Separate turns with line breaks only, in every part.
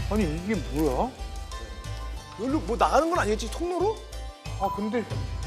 아니 이게 뭐야?
여기로 뭐 나가는 건 아니겠지? 통로로?
아 근데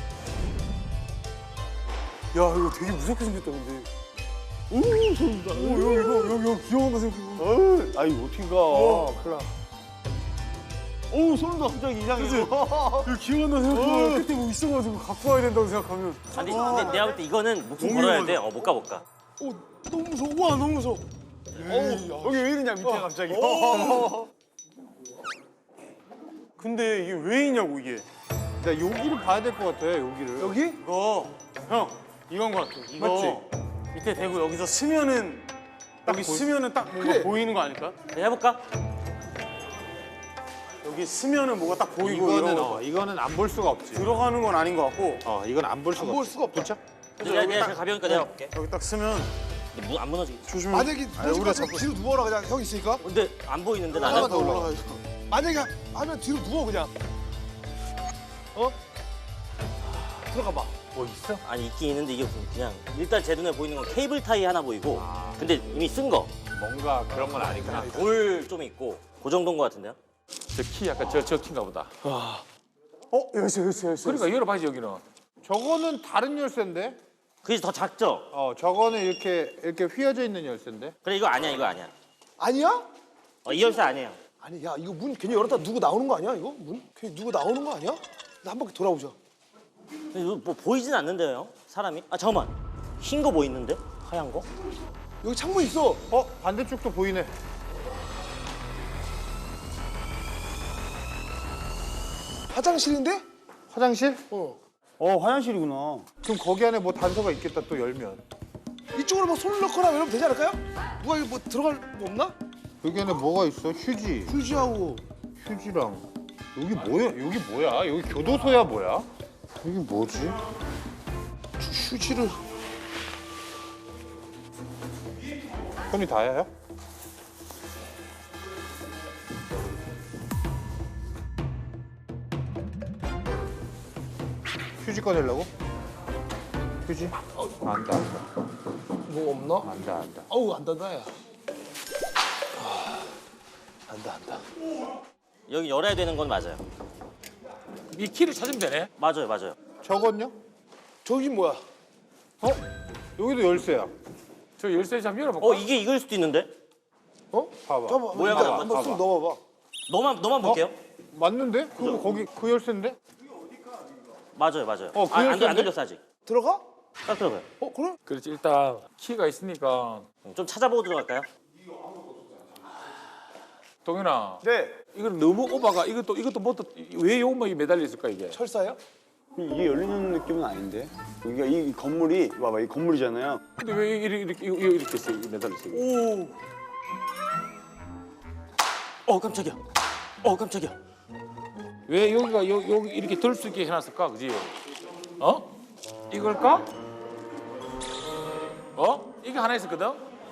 야 이거 되게 무섭게 생겼다 근데. 오 소름 돋아. 여기 귀여운 거 생겼고.
아이 어떻게 가?
큰일 나.
어우 소름 돋아 갑자기 이상해.
그치? 여기 귀여운 거 생각하면 끝에 뭐 있어가지고 갖고 와야 된다고 생각하면.
아니 근데 내가 볼 때 이거는 목숨 걸어야 돼. 못 가 못 가.
오 너무 무서워. 와 너무 무서워.
여기 왜 이러냐 밑에 갑자기.
근데 이게 왜 있냐고 이게.
나 여기를 봐야 될 것 같아 여기를.
여기?
이거 형 이건 것 같아. 이거
맞지?
밑에 대고 여기서 스면은 여기 스면은 딱 뭔가
그래.
보이는 거 아닐까?
그냥 해볼까?
여기 스면은 뭐가 딱 보이고
이거는 안 볼 수가 없지.
들어가는 건 아닌 것 같고
이건 안 볼 수가
볼
없지.
수가 없다.
그쵸?
내가 제일 가벼우니까 내가 볼게.
여기 딱 스면
근데 안 무너지게.
조심해.
만약에 우리가 뒤로 누워라 그냥 형 있으니까.
근데 안 보이는데
하나만
나는.
더 올라가. 만약에 하면 뒤로 누워 그냥. 들어가 봐.
뭐 있어?
아니 있긴 있는데 이게 그냥 일단 제 눈에 보이는 건 케이블 타이 하나 보이고. 근데 이미 쓴 거.
뭔가 그런 건 아니구나.
돌 좀 있고 그 정도인 것 같은데요?
저 키 약간 저 키인가 보다.
여기 있어.
그러니까 열어봐야지 여기는.
저거는 다른 열쇠인데?
그게 더 작죠?
저거는 이렇게 휘어져 있는 열쇠인데?
그래 이거 아니야 이거 아니야.
아니야?
이 열쇠 아니에요.
아니 야 이거 문 괜히 열었다 누구 나오는 거 아니야 이거? 문? 괜히 누구 나오는 거 아니야? 나 한 바퀴 돌아보자.
근데 이거 뭐 보이진 않는데요 사람이? 아 잠깐만 흰 거 뭐 있는데? 하얀 거?
여기 창문 있어.
반대쪽도 보이네.
화장실인데?
화장실?
화장실이구나.
그럼 거기 안에 뭐 단서가 있겠다 또 열면.
이쪽으로 뭐 손을 넣거나 이러면 되지 않을까요? 누가 이거 뭐 들어갈 거 없나?
여기 안에 뭐가 있어? 휴지.
휴지하고.
휴지랑. 여기 뭐야? 여기 뭐야? 여기 교도소야 뭐야? 여기 뭐지?
휴지를.
손이 다야요? 휴지 꺼내려고? 휴지? 안다.
뭐 없나?
안다.
어우 안 닿다 야. 안다.
여기 열어야 되는 건 맞아요.
이 키를 찾으면 되네.
맞아요.
저건요?
저기 뭐야?
여기도 열쇠야.
저 열쇠 좀 열어볼까?
이게 이걸 수도 있는데?
봐봐.
잠깐만.
모양을
일단
한번
한번 쑥 넣어봐봐.
너만 볼게요.
맞는데? 그거 거기 그 열쇠인데?
맞아요.
그
안
열쇠인데?
돌렸어 아직.
들어가?
딱 들어가요.
그래?
그렇지 일단 키가 있으니까.
좀 찾아보고 들어갈까요?
동현아.
네.
이건 너무 오바가 이것도 뭐왜 요것만 매달려 있을까 이게?
철사야?
이게 열리는 느낌은 아닌데. 여기가 이 건물이 봐봐 이 건물이잖아요.
근데 왜 이렇게 있어? 매달려 있어? 이게?
깜짝이야. 깜짝이야.
왜 여기 이렇게 들 수 있게 해놨을까, 그지? 이걸까? 이게 하나 있었거든.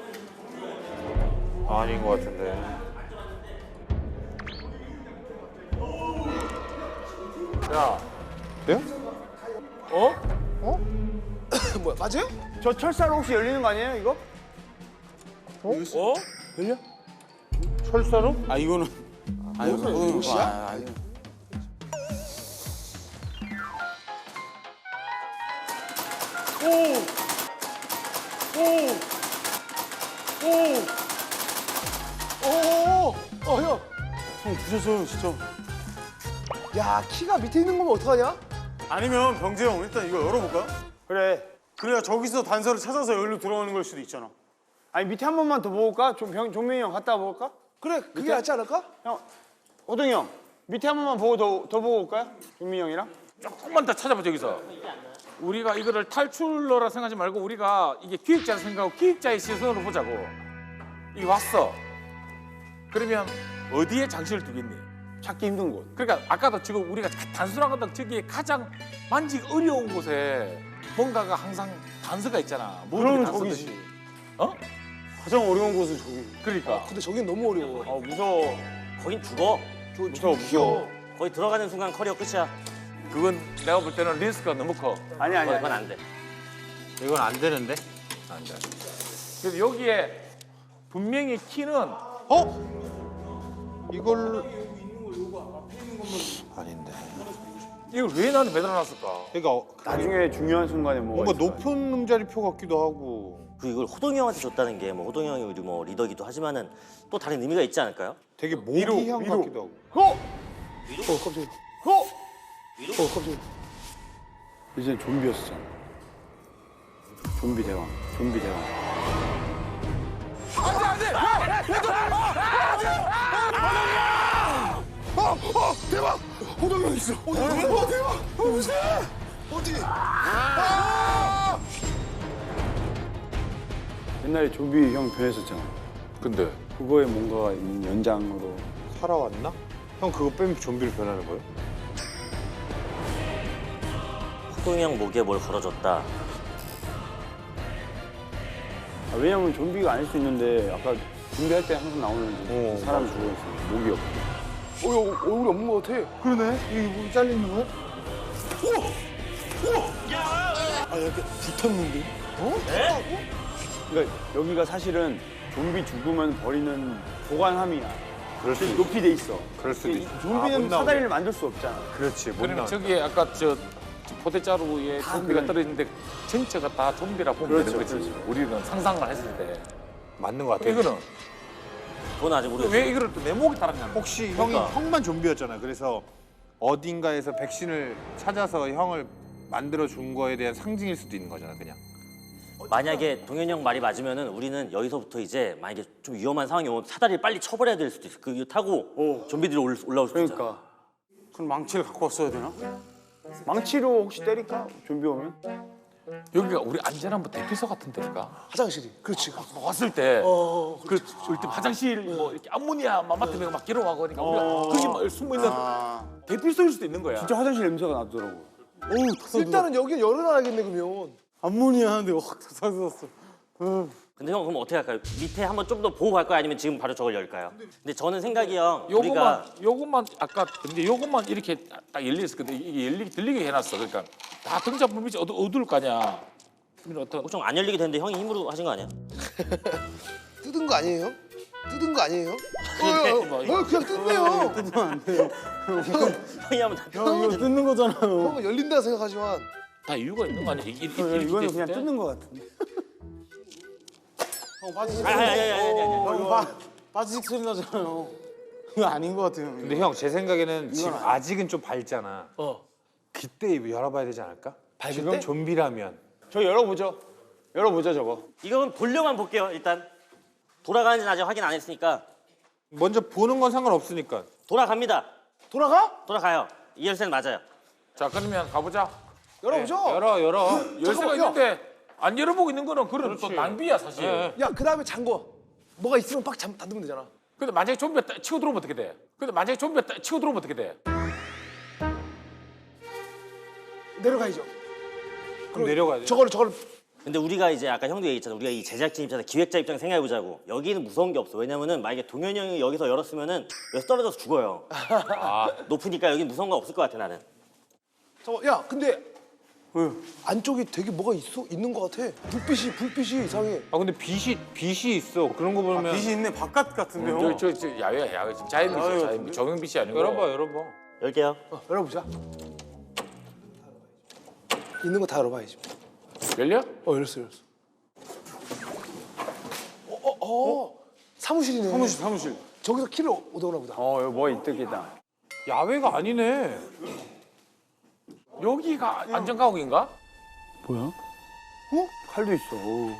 아닌 것 같은데.
야,
네?
뭐야 맞아요?
저 철사로 혹시 열리는 거 아니에요 이거?
열려?
철사로?
아 이거는. 아 이거
옷이야? 형.
형 부셨어요 진짜.
야 키가 밑에 있는 거면 어떡하냐?
아니면 병재 형 일단 이거 열어볼까요? 그래. 그래야 저기서 단서를 찾아서 여기로 들어가는 걸 수도 있잖아.
아니 밑에 한 번만 더 보고올까? 종민이 형 갔다 와볼까?
그래 그게 낫지 않을까?
형, 호동이 형 밑에 한 번만 보고 더 보고 올까요? 종민이 형이랑?
조금만 더 찾아보자 여기서. 우리가 이거를 탈출러라 생각하지 말고 우리가 이게 기획자라 생각하고 기획자의 시선으로 보자고. 이게 왔어. 그러면 어디에 장치를 두겠니?
찾기 힘든 곳.
그러니까 아까도 지금 우리가 단순한 건데 저기에 가장 만지기 어려운 곳에 뭔가가 항상 단서가 있잖아.
그러면
단서들이.
저기지.
가장 어려운 곳은 저기.
그러니까.
근데 저긴 너무 어려워.
무서워.
거긴 죽어.
무서워.
거기 들어가는 순간 커리어 끝이야.
그건 내가 볼 때는 리스크가 너무 커.
아니 아니
그건
아니.
안 돼.
이건 안 되는데?
안 돼. 그래서 여기에 분명히 키는
이걸 아닌데.
이걸 왜 나한테 매달아놨을까?
그러니까
나중에 중요한 순간에
뭔가
있어요?
높은 음자리표 같기도 하고
그리고 이걸 호동이 형한테 줬다는 게 뭐 호동이 형이 우리 뭐 리더기도 하지만은 또 다른 의미가 있지 않을까요?
되게 모기향 같기도 하고.
깜짝이야. 깜짝이야.
이제 좀비였었잖아. 좀비 대왕. 좀비 대왕.
대박! 호동이 형 있어. 대박! 무슨? 어디?
옛날에 좀비 형 변했었잖아.
근데
그거에 뭔가 있는 연장으로.
살아왔나? 형 그거 빼면 좀비로 변하는 거예요?
호동이 형 목에 뭘 걸어줬다.
왜냐면 좀비가 아닐 수 있는데 아까 준비할 때 항상 나오는 이제 사람이 죽어있어. 목이 없고.
얼굴이 없는 것 같아. 그러네. 이게 뭐 잘리는 거야? 아, 이렇게 붙었는데?
그러니까 여기가 사실은 좀비 죽으면 버리는 보관함이야. 높이 돼 있어.
그럴 수도
이
있어.
좀비는 사다리를 만들 수 없잖아.
그렇지. 못
그러면
나와.
저기에 아까 저 포대자루에 좀비가
그래.
떨어지는데 전체가 다 좀비라 보면 되는 거지. 우리는 상상만 했을 때.
맞는 것 같아.
이거는
그건 아직 우리가
왜 이거를 또 내 목에 달았냐?
혹시
그러니까.
형만 좀비였잖아. 그래서 어딘가에서 백신을 찾아서 형을 만들어 준 거에 대한 상징일 수도 있는 거잖아, 그냥.
만약에 동현이 형 말이 맞으면은 우리는 여기서부터 이제 만약에 좀 위험한 상황이 오면 사다리를 빨리 쳐버려야 될 수도 있어. 그거 타고 좀비들이 올라올 수도 있잖아.
그러니까.
그럼 망치를 갖고 왔어야 되나?
망치로 혹시 때릴까? 좀비 오면?
여기가 우리 안전한 뭐 대피소 같은 데일까?
화장실이. 그렇지.
왔을 때, 그 절대 화장실 뭐 이렇게 암모니아만 맡으면 막 기러하고 그러니까 우리가 거기 막 숨어 있는 대피소일 수도 있는 거야.
진짜 화장실 냄새가 나더라고.
일단은 여기 열어놔야겠네, 그러면.
암모니아 하는데 확 쏟았어.
근데 형 그럼 어떻게 할까요? 밑에 한번 좀 더 보고 갈 거야 아니면 지금 바로 저걸 열까요? 근데 저는 생각이 형 우리가
요것만 아까 근데 요것만 이렇게 딱 열려 있을 건데 이게 열리게 들리게 해놨어. 그러니까 다 등잔문 밑이 어두울 거 아니야. 그러면 어떤
엄청 안 열리게 되는데 형이 힘으로 하신 거 아니야?
뜯은 거 아니에요? 뜯은 거 아니에요?
뭐
그냥 뜯네요.
형이 하면 다
이거 뜯는 거잖아요.
형은 열린다 생각하지만.
다 이유가 있는 거 아니야? 이렇게
이거는
됐을
그냥
때?
뜯는 거 같은데.
아니.
빠지직 소리 나잖아요. 이거 아닌 것 같아요.
근데 형 제 생각에는 지금 아직은 좀 밝잖아. 그때 이거 열어봐야 되지 않을까? 지금 좀비라면.
저 열어보죠. 열어보죠 저거.
이건 돌려만 볼게요 일단. 돌아가는지는 아직 확인 안 했으니까
먼저 보는 건 상관없으니까.
돌아갑니다. 돌아가요. 이 열쇠는 맞아요.
자 그러면 가보자.
열어보죠.
열어.
열쇠가
잠깐만요.
있는데 안 열어보고 있는 거는 그런 또 낭비야 사실.
야, 그 다음에 잠궈. 뭐가 있으면 빡 닫으면 되잖아.
근데 만약에 좀비가 치고 들어오면 어떻게 돼?
내려가야죠.
그럼 내려가야 돼.
저거를.
근데 우리가 이제 아까 형도 얘기했잖아. 우리가 이 제작진 입장에서 기획자 입장 생각해 보자고. 여기는 무서운 게 없어. 왜냐면은 만약에 동현이 형이 여기서 열었으면은 여기서 떨어져서 죽어요. 높으니까 여기 무서운 거 없을 것 같아 나는.
야, 근데 안쪽에 되게 뭐가 있는 것 같아. 불빛이 이상해.
아 근데 빛이 있어. 그런 거 보면.
빛이 있네. 바깥 같은데요.
저 야외야 야외 지금 자연빛이야 자연빛. 조명빛이 아니고.
열어봐.
열게요.
열어보자. 있는 거 다 열어봐야지.
열려?
열었어. 사무실이네.
사무실.
저기서 키를 얻어오나 보다.
여기 뭐 있겠다.
야외가 아니네.
여기가 안전가옥인가?
뭐야? 칼도 있어.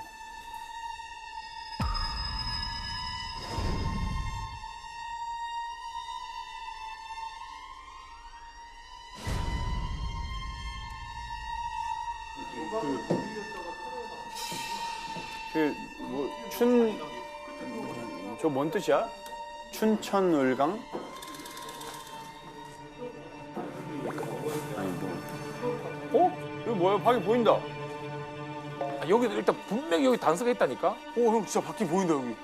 저 뭔 뜻이야? 춘천을강? 아니 여기 뭐야? 밖에 보인다.
아, 여기도 일단 분명히 여기 단서가 있다니까.
형 진짜 바퀴 보인다 여기.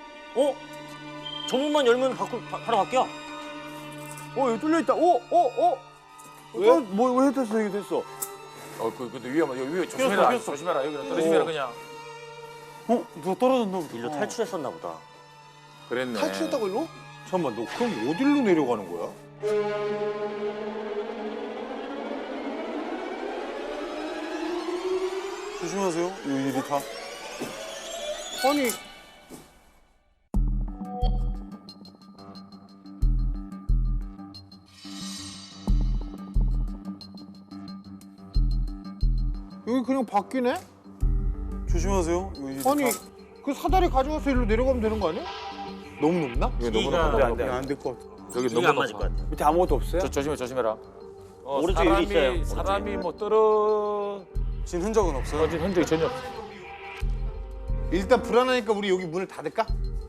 저 문만 열면 바로 바뀌어.
여기 뚫려 있다. 왜? 왜 됐어? 이게 됐어.
근데 위험하다. 여기 위에 조심해라. 조심해라. 여기 떨어지면 그냥.
누가 떨어졌나 보다.
일로 탈출했었나 보다.
그랬네.
탈출했다고 일로?
잠깐만, 너 그럼 어디로 내려가는 거야?
조심하세요. 이 유리타.
아니, 여기 그냥 바뀌네?
조심하세요. 이 유리타.
아니, 그 사다리 가져와서 일로 내려가면 되는 거 아니야? 너무 높나?
길이가
안될 것 같아.
여기
길이가 안 맞을 것 같아.
밑에 아무것도 없어요?
조심해라.
오른쪽 유리 있어요.
사람이 뭐 떨어진
진 흔적은 없어요.
흔적이 전혀 없어.
일단 불안하니까 우리 여기 문을 닫을까?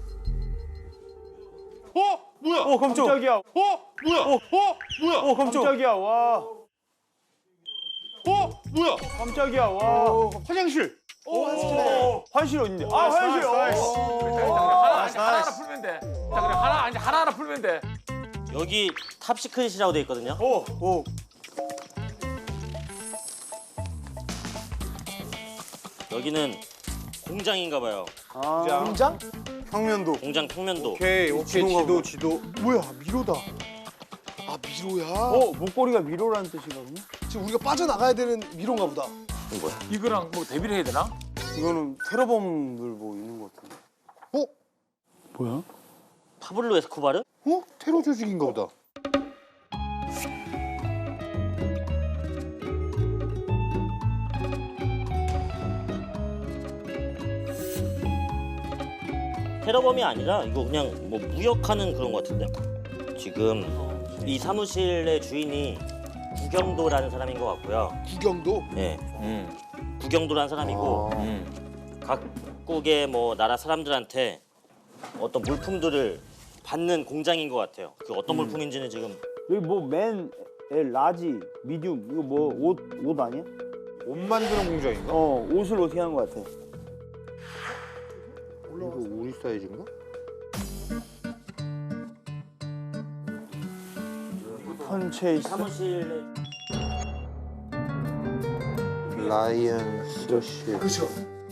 뭐야?
깜짝이야.
뭐야? 뭐야?
깜짝이야. 와.
뭐야?
깜짝이야. 와.
화장실.
화장실 어딘데? 아, 화장실.
하나 풀면 돼. 자, 그래 하나 풀면 돼.
여기 탑시크릿이라고 돼 있거든요.
오.
여기는 공장인가 봐요.
공장?
평면도.
공장 평면도.
오케이, 지도.
뭐야, 미로다. 아, 미로야?
목걸이가 미로라는 뜻이거든요.
지금 우리가 빠져나가야 되는 미로인가 보다.
이거랑 뭐 대비를 해야 되나?
이거는 테러범들 뭐 있는 것 같은데.
뭐야?
파블로 에스코바르?
테러 조직인가 보다.
테러범이 아니라 이거 그냥 뭐 무역하는 그런 것 같은데. 지금 이 사무실의 주인이 구경도라는 사람인 것 같고요.
구경도?
네. 구경도라는 사람이고 각국의 뭐 나라 사람들한테 어떤 물품들을 받는 공장인 것 같아요. 그 어떤 물품인지는 지금
여기 뭐 맨, L, 라지, 미디움 이거 뭐 옷 아니야?
옷 만드는 공장인가?
옷을 어떻게 하는 것 같아?
이거 우리 사이즈인가?
컨체이스.
사무실에
라이언 스더시.
그렇죠.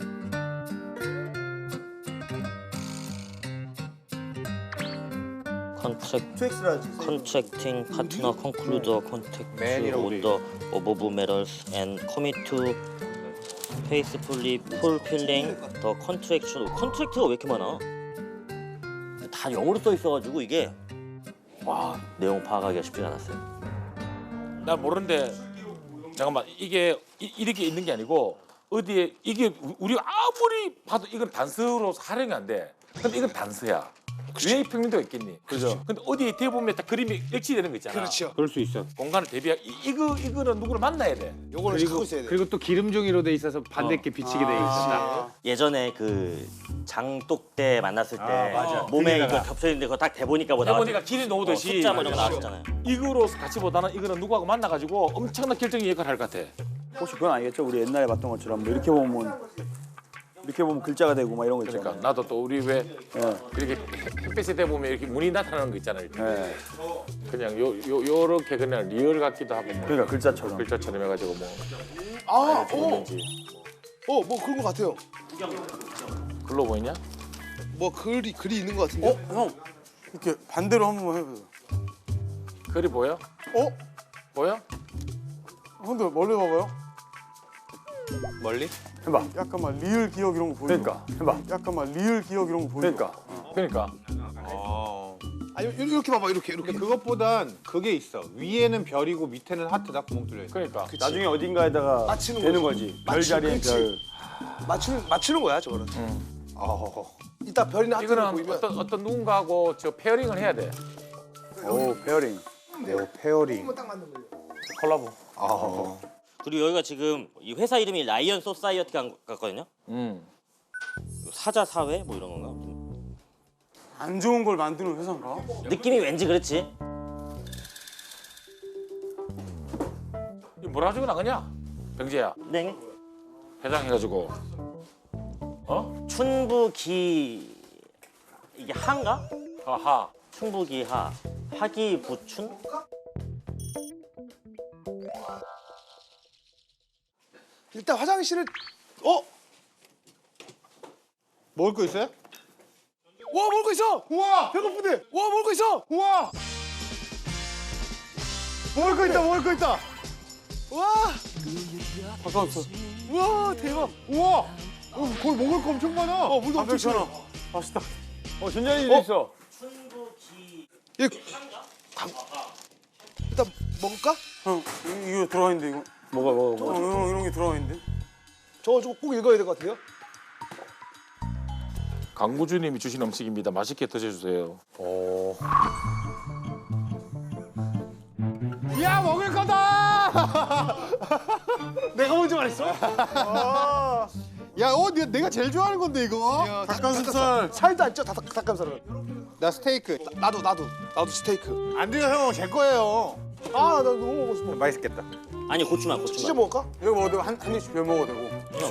컨트랙팅 파트너 컨클루더 컨택트
맨이라고 돼
오더 오버브 메럴스 앤 커밋 투 페이스풀리 풀필링 더 컨트랙트가 왜 이렇게 많아? 다 영어로 써 있어가지고 이게 와 내용 파악하기가 쉽지 않았어요.
난 모르는데 잠깐만 이게 이렇게 있는 게 아니고 어디에 이게 우리가 아무리 봐도 이건 단서로 활용이 안 돼. 근데 이건 단서야. 왜 평면도가 있겠니?
그죠.
근데 어디에 대보면 딱 그림이 일치되는 거 있잖아.
그렇죠.
그럴 수 있어.
공간을 대비하 이거는 누구를 만나야 돼.
요거를 찾고 있어야 돼.
그리고 또 기름종이로 돼 있어서 반대께 비치게 돼 있었다.
예전에 그 장독대 만났을 때
맞아.
몸에
그게다가.
이거 겹쳐 있는데 그거 딱 대보니까 뭐
대보니까
나왔지?
길이 놓듯이
숫자 뭐 이런 거 나왔잖아요.
이거로 같이 보다는 이거는 누구하고 만나가지고 엄청난 결정의 역할을 할 것 같아.
혹시 그건 아니겠죠? 우리 옛날에 봤던 것처럼 뭐 이렇게 보면 글자가 되고 막 이런 거 있잖아요.
그러니까 나도 또 우리 왜
예.
이렇게 햇빛에 대보면 이렇게 문이 나타나는 거 있잖아요. 이렇게.
예.
그냥 요렇게 그냥 리얼 같기도 하고 뭐
그러니까 글자처럼.
글자처럼 해가지고 뭐
뭐 그런 것 같아요.
글로 보이냐?
뭐 글이 있는 것 같은데.
형. 이렇게 반대로 한 번만 해보세요.
글이 보여? 보여?
형들 멀리 봐봐요.
멀리?
해봐.
약간 막 리을 기억 이런 거 보이죠?
그러니까 해봐.
약간 막 리을 기억 이런 거 보이죠?
그러니까.
아니 이렇게 봐봐 이렇게.
근데 그것보단 그게 있어. 위에는 별이고 밑에는 하트다. 구멍 뚫려 있어.
그러니까
나중에 어딘가에다가
맞히는
되는
거지.
거지. 별 자리엔
그치.
별.
맞추는 거야 저거는. 이따 별이나 하트가
이거는
보이면
어떤 누군가하고 저 페어링을 해야 돼.
오, 페어링.
페어링.
콜라보.
그리고 여기가 지금 이 회사 이름이 라이언 소사이어티 같거든요. 사자 사회 뭐 이런 건가?
안 좋은 걸 만드는 회사인가?
느낌이 왠지 그렇지.
이거 뭐라 가지고 나가냐? 병재야
네.
회장해가지고
춘부기 이게 한가?
하하
춘부기하 하기부춘?
일단 화장실을
먹을 거 있어요?
와 먹을 거 있어.
우와!
배고픈데. 와 먹을 거 있어.
우와! 먹을 거 있다, 먹을 거 있다.
와.
가까웠어.
와 대박.
우와! 거기 먹을 거 엄청 많아.
물도 엄청 시원해.
맛있다.
전자레인지도 있어.
예. 일단 먹을까?
형, 이거 들어가 있는데 이거.
먹어.
형, 이런 게 들어가 있는데.
저거 꼭 읽어야 될 것 같아요.
강구주님이 주신 음식입니다. 맛있게 드셔주세요.
야, 먹을 거다!
내가 먼저 말했어?
야, 내가 제일 좋아하는 건데 이거. 닭가슴살.
살도 안 쪄. 닭가슴살은.
나 스테이크.
나도 스테이크.
안 돼요, 형. 제 거예요.
아, 나 너무 먹고 싶어.
맛있겠다.
아니 고추만
진짜
고추만.
먹을까?
이거 먹어도 한 입씩 별 먹어도 되고.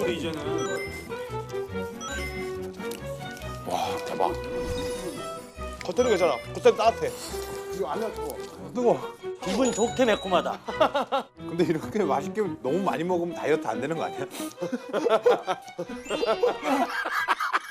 와 대박.
겉절이 괜찮아. 겉절이 따뜻해. 이거 안에 뜨거.
기분 좋게 매콤하다.
근데 이렇게 맛있게 너무 많이 먹으면 다이어트 안 되는 거 아니야?